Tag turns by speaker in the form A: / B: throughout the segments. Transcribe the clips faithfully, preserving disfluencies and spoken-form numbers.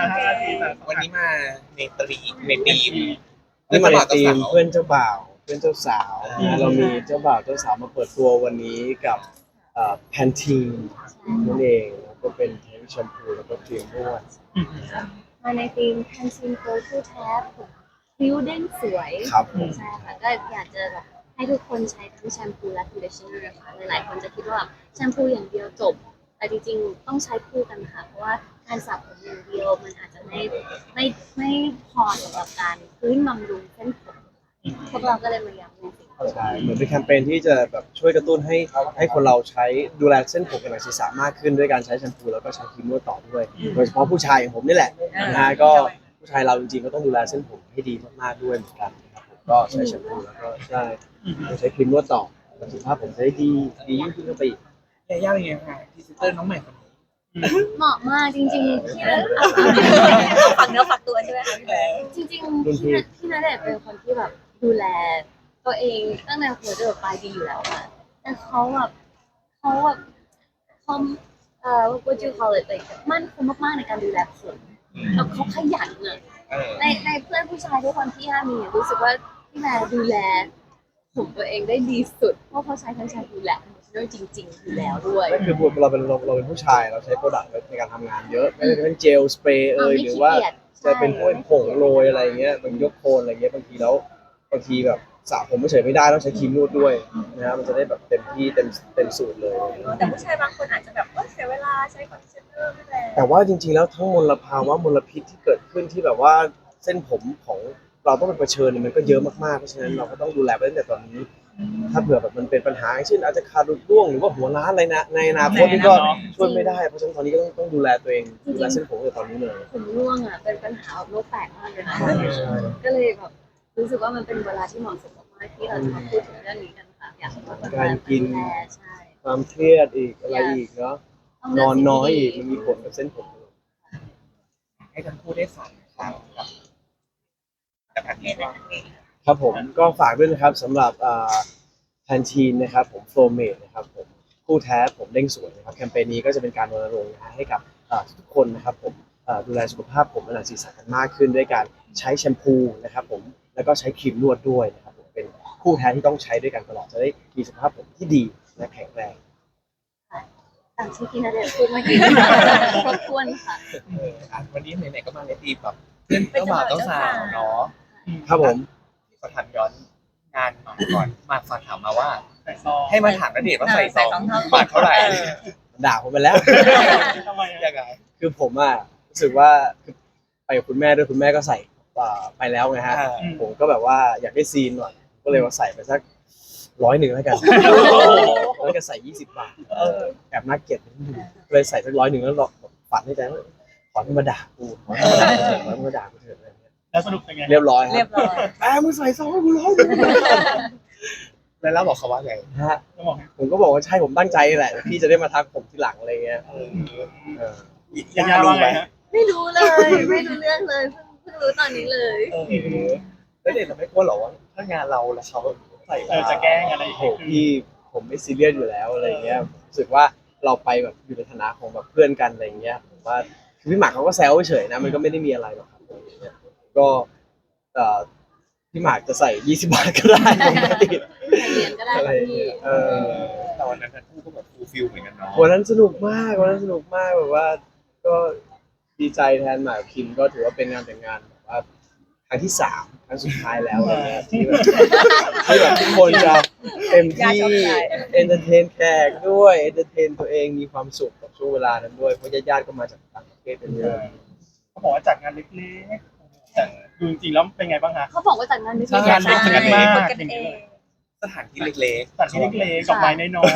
A: ห้านาทีแต่
B: วันนี้มาในตรีในธีม
C: นี่มาในทีมเพื่อนเจ้าบ่าวเพื่อนเจ้าสาวนะเรามีเจ้าบ่าวเจ้าสาวมาเปิดตัววันนี้กับแพนทีนนั่นเองแล้วก็เป็นทั้งแชมพูแล้วก็ครีมนวด
D: มาในทีมแพนซีนโกลคู่แท้ผมผิวเด้งสวย
C: ครับผม
D: ใช่ค่ะก็อยากจะแบบให้ทุกคนใช้ทั้งแชมพูและคอนดิชเนอร์ค่ะหลายๆคนจะคิดว่าแบบแชมพูอย่างเดียวจบ แต่จริงๆต้องใช้คู่กันค่ะเพราะว่าการสระผมอย่างเดียวมันอาจจะไม่ไม่ไม่พอสำหรับการพื้นบำรุงเส้นผมพวกเราก็เลยมาย้ำในสิ่งนี้
C: ใช่เหมือนเป็นแคมเปญที่จะแบบช่วยกระตุ้นให้ให้คนเราใช้ดูแลเส้นผมกับหนังศีรษะมากขึ้นด้วยการใช้แชมพูแล้วก็ใช้ครีมนวดต่อด้วยโดยเฉพาะผู้ชายอย่างผมนี่แหละนะฮะก็ผู้ชายเราจริงๆก็ต้องดูแลเส้นผมให้ดีมากๆด้วยเหมือนกันนะครับผมก็ใช้แชมพูแล้วก็ใช่ใช้ครีมนวดต่อสุขภาพผมจะได้ดีดียิ่งขึ้นไปอีก
B: ยาย่าเป็นไงคะพรีเซนเตอร์น้องใหม่คนนี้
D: เหมาะมากจริงๆที่เรา
E: ฝักเนื้อฝักตัวใช่ไหมคะพี่แบงค์
D: จริงๆที่นัที่นัเดชน์เป็นคนที่แบบดูแลตัวเองตั้งแต่หัวจรดปลายดีอยู่แล้วค่ะแต่เขาแบบเขาแบบเขาเอ่อ what do you call it like มั่นคงมากๆในการดูแลผมแล้วเขาขยันอะ
B: เออ
D: ในในเพื่อนผู้ชายทุกคนที่ห้ามีอะรู้สึกว่าพี่แม่ดูแลผมตัวเองได้ดีสุดเพราะเขาใช้ทั้งแชมพูและคอนดิชเนอร์จริงๆอยู่แล้วด้วย
C: นั่นคือเราเป็นเราเราเป็นผู้ชายเราใช้โปรดักต์ในการทำงานเยอะไม่ว่าจะเป็นเจลสเปรย์เอยหรือว่าจะเป็นพวกผงโรยอะไรเงี้ยมันยกโคนอะไรเงี้ยบางทีแล้วบางทีแบบสระผมไม่เฉยไม่ได้ต้องใช้ครีมนวดด้วยนะฮะมันจะได้แบบเต็มที่เต็มเต็มสูตรเลย
E: แต่ผู้ชายบางคนอาจจะแบบว่าเสียเวลาใช้คอนดิชเนอร์ไม่แรง
C: แต่ว่าจริงๆแล้วทั้งมลภาวะมลพิษที่เกิดขึ้นที่แบบว่าเส้นผมของเราต้องเป็นเผชิญเนี่ยมันก็เยอะมากๆเพราะฉะนั้นเราก็ต้องดูแลไว้ตั้งแต่ตอนนี้ ถ้าเผื่อแบบมันเป็นปัญหาเช่นอาจจะขาดหลุดร่วงหรือว่าหัวร้านอะไรนะในอนาคตนี่ก็ช่วยไม่ได้เพราะฉะนั้นตอนนี้ก็ต้องต้องดูแลตัวเองดูแลเส้นผมตั้งแต่ตอนนี้เลย
D: ผมร่วงอ่ะเป็นปัญหาแบบโลกแตกมากเลยนะก็เลยแบบรู้สึกว่ามันเป็นเวลาที่เหมาะสมมากๆที่เราจะมาพูดถึงเรื่องนี้กันค่ะอยากให้ทุกคน
C: การกิน
D: ดูแลใช่
C: ความเครียดอีกอะไรอีกเนาะ
D: ต้ง
C: น
D: เลื
C: อนน้อยอีก
D: สิ่
C: มัน
D: ง
C: มี
D: ที่
C: ผลกับเส้นผม
B: ให้ทั้งคู่ได้ฝากครับกับแพนทีนว่า
C: ครับผมก็ฝากด้วยนะครับสำหรับแพนทีนนะครับผมโฟร์เมดนะครับผมคู่แท้ผมเด้งสวยนะครับแคมเปญนี้ก็จะเป็นการรณรงค์นะฮะให้กับเอ่อทุกๆคนนะครับผมเอ่อดูแลสุขภาพผมและหนังศีรษะกันมากขึ้นด้วยการใช้แชมพูนะครับผมแล้วก็ใช้ครีมนวดด้วยนะครับผมเป็นคู่แท้ที่ต้องใช้ด้วยกันตลอดจะได้มีสุขภาพผมที่ดีและแข็งแรง
D: ตามที่พี่ณเดชน์พูดเมื่อกี้ครบถ้วนค่ะ
B: เอออ่ะวันนี้ไหนๆก็มาในธีมแบบเพื่อนเจ้าบ่าวเจ้าสาวเนาะ
C: ครับผม
B: ขอถามย้อนงานหมากก่อนหมากฝากถามมาว่า
A: ใส่ซอง
B: ให้มาถามณเดชน์ว่าใส่ซอง
E: ใส่ซองเท่า
B: บาทเท่าไหร่
C: ด่าผมไปแล้ว
A: ทำไม
B: ยั
A: อะ
B: งไง
C: คือผมอ่ะรู้สึกว่าคือไปกับคุณแม่ด้วยคุณแม่ก็ใส่เอ่อไปแล้วไงฮะ
B: อ่า
C: ผมก็แบบว่าอยากได้ซีนหน่อยก็เลยว่าใส่ไปสักร้อยหนึ่งแล้วกันแล้วก็ใส่ยี่สิบบาท
B: เออ
C: แอบน่าเกลียดนิดนึงเลยใส่สักร้อยหนึ่งแล้วฝันในใจว่าขอให้มาด่ากูขอให้มาด่ากูเถอะขอให้มาด่ากูเถอะอะไรอย่างเงี้ย
A: แล้วสรุปเป็นไง
C: เรียบร้อยค
E: เรี
C: รั
E: ย
C: บบ
E: ร้อย
C: แอบมึงใส่ซองให้กูร้อยหนึ่ง
B: แล้วเราบอกเขาว่าไง
C: ฮะ
A: ต้องบอกให้
C: ผมก็บอกว่าใช่ผมตั้งใจแหละพี่จะได้มาทักผมทีหลังอะไรเงี้ย
B: เออ
C: เออ
A: ยาย่าว่าไงฮะ
D: ไม่รู้เลย ไม่รู้เรื่องเลยเพิ่งเพิ่งรู้ตอนนี้เลย
B: เออแล้วเด็กเราไม่กลัวหรอว่าถ้างานเราแล้วเขาใส่
A: เออจะแกล้งอะไร
C: โอ้โหพี่ผมไม่ซีเรียสอยู่แล้วอะไรเงี้ยรู้สึกว่าเราไปแบบอยู่ในฐานะของแบบเพื่อนกันอะไรเงี้ยผมว่าคือพี่หมากเขาก็แซวเฉยๆนะมันก็ไม่ได้มีอะไรหรอกครับอะไรเงี้ยก็เอ่อพี่หมากจะใส่ยี่สิบบาทก็ได้ผมไม่ติด
D: ใส่เหรียญก็ได้
C: อะไร
D: ค่ะพี่
C: เงี้ยเออ
B: แต่วันนั้นทั้งคู่ก็แบบฟูลฟิลเหมือนกันเนาะ
C: วันนั้นสนุกมากวันนั้นสนุกมากแบบว่าก็ดีใจแทนหมากกับคิมก็ถือว่าเป็นงานแต่งงานแบบว่าครั้งที่สามครั้งสุดท้ายแล้วอะไรเงี้ยที่แบบที่แบบทุกคนจะเต็มที่เอนเตอร์เทนแขกด้วยเอนเตอร์เทนตัวเองมีความสุขกับช่วงเวลานั้นด้วยเพราะญาติๆก็มาจากต่างประเทศกันเยอะ
A: เขาบอกว่าจัดงานเล็กๆแต่ดูจริงๆแล้วเป็นไงบ้างฮะ
D: เขาบอกว่าจัดงานนี้
A: งานเล็ก
D: ใช่
A: มาก
E: คนกันเอง
B: สถานที่เล็กๆ
A: จัดที่เล็กๆกับไม้น้อย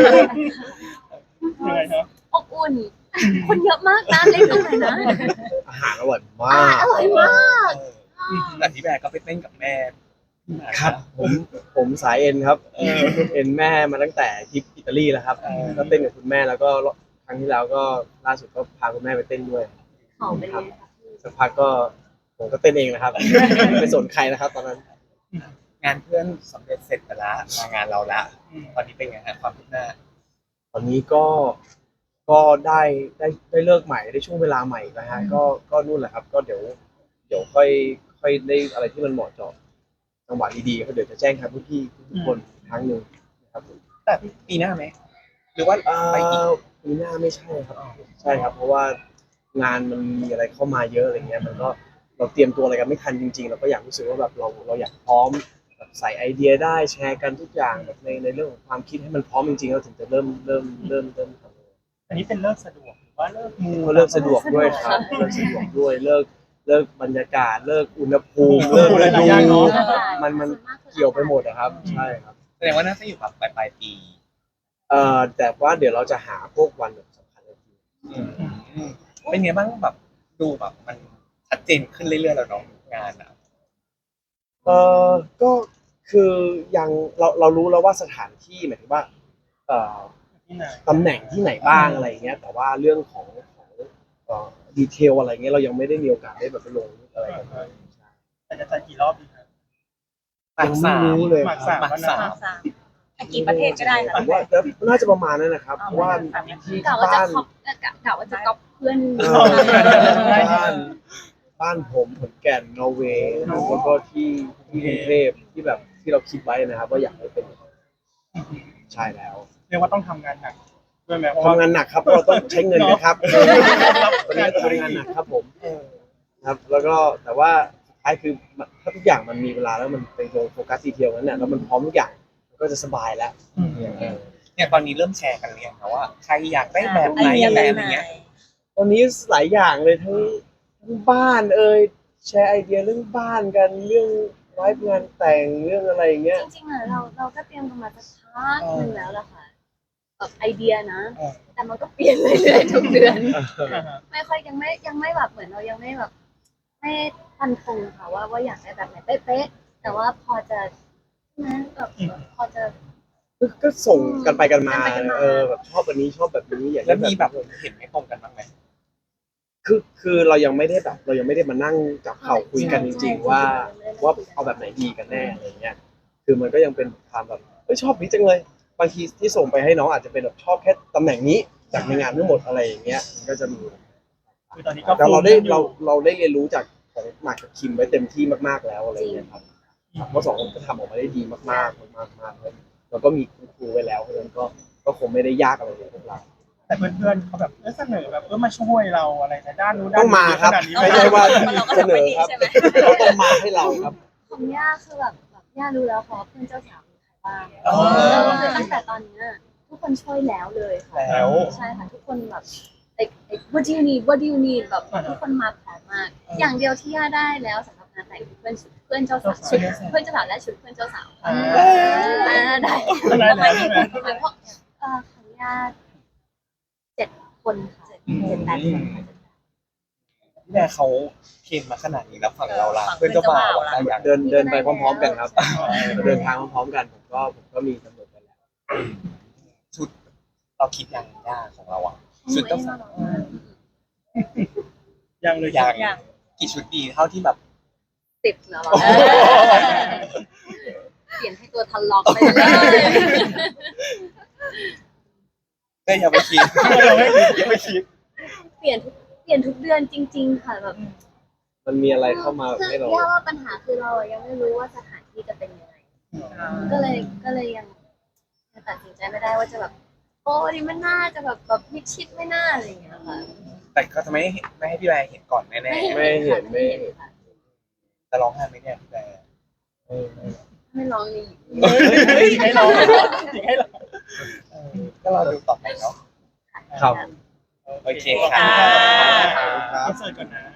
A: ๆยังไงครับ
D: อบอุ่น คนเยอะมากนะเล่นตรงไหนนะ
C: อาหารอร่อยมา
D: อ่าก อร่อยมาก
B: เออแต่พี่แบร์ก็ไปเต้นกับแม่
C: ครับผมผมสายเอ็นครับ
B: เออ
C: เอ็นแม่มาตั้งแต่ทริปอิตาลีแล้วครับ
B: เออ
C: ก็เต้นกับคุณแม่แล้วก็ครั้งที่แล้วก็ล่าสุดก็พาคุณแม่ไปเต้นด้วย
D: ของเป็นไงคะพี่
C: สักพักก็ผมก็เต้นเองนะครับ ไม่สนใครนะครับ ตอนนั้น
B: งานเพื่อนสำเร็จเสร็จไปละมางานเราละตอนนี้เป็นไงฮะความคืบหน้า
C: ตอนนี้ก็ก็ได้ได้ได้เลิกใหม่ได้ช่วงเวลาใหม่นะฮะก็ก็นู่นแหละครับ ก็เดี๋ยวเดี๋ยวค่อยค่อยได้อะไรที่มันเหมาะเจาะจังหวะดีๆก็เดี๋ยวจะแจ้งครับพี่ๆทุกคนอีกครั้งหนึ่งนะครับผม
B: แต่ปีหน้าไหมหรือว่า
C: เอ่
B: ไปอีก
C: อปีหน้าไม่ใช่ครับใช่ครับ เพราะว่างานมันมีอะไรเข้ามาเยอะอะไรเงี้ยมันก็เราเตรียมตัวอะไรกันไม่ทันจริงๆเราก็อยากรู้สึกว่าแบบเราเราอยากพร้อมแบบใส่ไอเดียได้แชร์กันทุกอย่างแบบในในเรื่องของความคิดให้มันพร้อมจริงๆเราถึงจะเริ่มเริ่มเริ่มเริ่มทำ
A: อันนี้เป็นเลิกสะดวกหรือว่าเลิกมู
C: ก็เลิกสะดวกด้วยครับเลิกสะดวกด้วยเลิกเลิกบรรยากาศเลิกอุณหภูมิเลิกฤดูมันมันเกี่ยวไปหมดนะครับใช่ครับ
B: แสดงว่าน่าจะอยู่แบบปลายปลายๆปี
C: เอ่อแต่ว่าเดี๋ยวเราจะหาพวกวันแบบสำคัญจริง
B: อืมเป็นไงบ้างแบบดูแบบมันชัดเจนขึ้นเรื่อยๆแล้วเนาะงานอ่ะ
C: เออก็คือยังเราเรารู้แล้วว่าสถานที่หมายถึงว่าเอ่อ
A: ที่ไหน
C: ตำแหน่งที่ไหนบ้างอะไรอย่างเงี้ยแต่ว่าเรื่องของของเอ่อดีเทลอะไรเงี้ยเรายังไม่ได้มีโอกาสได้แบบไปลงอะไรกันเลย
A: แต่จะจัดกี่รอบดีครับ
B: หมากสาม
C: ยังไม่รู้เลย
A: หมากสาม
B: หมากสาม
E: สามไปกี่ประเทศก็ได้ค่ะ
C: ผมว่าน่าจะประมาณนั้นนะครับเพราะว่าที่
D: กะว่าจะ
C: บ้าน
D: คอปกะว่าจะก๊อปเพื่อน
C: เออบ้านบ้านผมขอนแก่นนอร์เวย์แล้วก็ที่ที่กรุงเทพที่แบบที่เราคิดไว้นะครับว่าอยากให้เป็นใช่แล้ว
A: เรียกว่าต้องทำงานหนักด้วยไหมเพราะว่า
C: ทำงานหนักครับเพราะเราต้องใช้เงินนะครับตอนนี้
A: งาน
C: ก็ทำงานหนักครับผมครับ แล้วก็แต่ว่าสุดท้ายคือถ้าทุกอย่างมันมีเวลาแล้วมันไปลงโฟกัสดีเทลนั้นเนี่ยแล้วมันพร้อมทุกอย่างมันก็จะสบายแล้ว
A: อืม
C: เออ
B: เนี่ยตอนนี้เริ่มแชร์กันเรียงนะว่าใครอยากได้แบบไหนแบบอะไรเงี้ย
C: ตอนนี้หลายอย่างเลยทั้งทั้งบ้านเอ่ยแชร์ไอเดียเรื่องบ้านกันเรื่องไลฟ์งานแต่งเรื่องอะไรอย่างเงี้ย
D: จริงๆอะเราเราก็เตรียมกันมาสักพักหนึ่งแล้วล่ะค่ะแบบไอเดียนะ
B: เออ
D: แต่มันก็เปลี่ยนเรื่อยๆทุกเดือน
A: อ่าฮะ
D: ไม่ค่อยยังไม่ยังไม่แบบเหมือนเรายังไม่แบบไม่ฟันธงค่ะว่าว่าอยากได้แบบไหนเป๊ะๆแต่ว่าพอจะนะแบบพอจะ
C: ก็ก็ส่งกันไปกันมา
D: กันไปกันมา
C: เออแบบชอบแบบนี้ชอบแบบนี้อย่าง
B: แล้
C: นี้
B: วมีแบบเห็นไม่ตรงกันบ้างไหม
C: คือคือเรายังไม่ได้แบบ เรายังไม่ได้มานั่งจับเข่าคุยกันจริง ๆ ว่าว่าเอาแบบไหนดีกันแน่อะไรเงี้ยคือมันก็ยังเป็นความแบบเอ้ยชอบนี้จังเลยบางทีที่ส่งไปให้น้องอาจจะเป็นแบบชอบแค่ตำแหน่งนี้จากในงานทั้งหมดอะไรอย่างเงี้ยมันก็จะมี
A: คือตอนนี้ก็
C: แต่เราได้
A: ฟูลอยู่
C: เราเราได้เรียนรู้จากของหมากกับคิมไว้เต็มที่มากๆแล้วอะไรเงี้ยครับเพราะสองคนก็ทำออกมาได้ดีมากๆมากๆมากๆเลยแล้วก็มีครูไว้แล้วเพราะฉะนั้นก็ก็คงไม่ได้ยากอะไรเลยพวกเรา
A: แต่เพื่อนๆเขาแบบเออเสนอแบบเออมาช่วยเราอะไรในด้านนู้นด้าน
C: ต้องมา
A: นี้
C: ครับ
A: ขนาดนี้
C: ไม่ใช่ว่า
E: เราก็
C: เส
E: ทำ
C: น
E: ไม่
C: อ
E: ดี
C: ครับ
E: ใช่ไหม
C: เขาต้องมาให้เราครับ
D: ของย่าคือแบบแบบย่ารู้แล้วเพราะเพื่อนเจ้าสาวมีใครบ้าง
A: อ๋อ
D: แล้วก็คือตั้งแต่ตอนเนี้ยทุกคนช่วยแล้วเลยค่ะ
B: แล้ว
D: ใช่ค่ะทุกคนแบบ like like what do you need what do you need แบบทุกคนมาพร้อมมาก อย่างเดียวที่ย่าได้แล้วสำหรับงานแต่งเพื่อนเพื่อนเจ้าสาวชุดเพื่อนเจ้าสาวและชุดเพื่อนเจ้าสาว
A: อ่า
D: อ่าได้
A: ได้แล้วใช่ไหม
D: เพราะเอ่อของย่าเจ็ดคนค่ะเจ็ดแปดคนค่ะ
B: พี่แม่เขาเคนมาขนาดนี้แล้วฝั่งเราล่ะเพื่อนเจ้าบ่าวอะได้ยัง
C: เดินเดินไปพร้อมๆกันครับ เดินทางพร้อมๆกันผมก็ผมก็มีกำหนดไปแล้ว
B: ชุดเราคิดยังยากของเราอ่ะชุดเจ้าสาว
A: ยังเลย
B: ยัง
E: ยัง
B: กี่ชุดดีเท่าที่แบบ
D: สิบแล้วเหรอเปลี่ยนให้ตัวทันล็อกไปเลย
B: ก็ยังไม่คิด
A: ยังไม่คิดยังไม่คิด
D: เปลี่ยนทุกเปลี่ยนทุกเดือนจริง ๆ ค่ะแบบ
C: มันมีอะไรเข้ามา
D: คือ
C: ให้เรา
D: ย่าว่าปัญหาคือเรายังไม่รู้ว่าสถานที่จะเป็นยังไง ก็เลยก็เลยยังยังตัดสินใจไม่ได้ว่าจะแบบโอ้ดิมันน่าจะแบบแบบมิดชิดไม่น่าอะไรอย่างเงี้ยค่ะ
B: แต่ก็จะไม่ให้ไม่ให้พี่แบร์เห็นก่อนแน่
C: ไม่เห็นไม่เห็น
D: ค่ะ
B: ๆจะร้องไห้ไหมเนี่ยพี่แบร์
C: เออเออ
D: ไม่ร้องนี่
A: ให้เราจริงให้เรา
B: เออก็รอดูต่อไปเนาะ
C: ครับ
B: โอเค
E: ค่ะ
B: ค่ะ
A: อินเสิร์ตก่อนนะ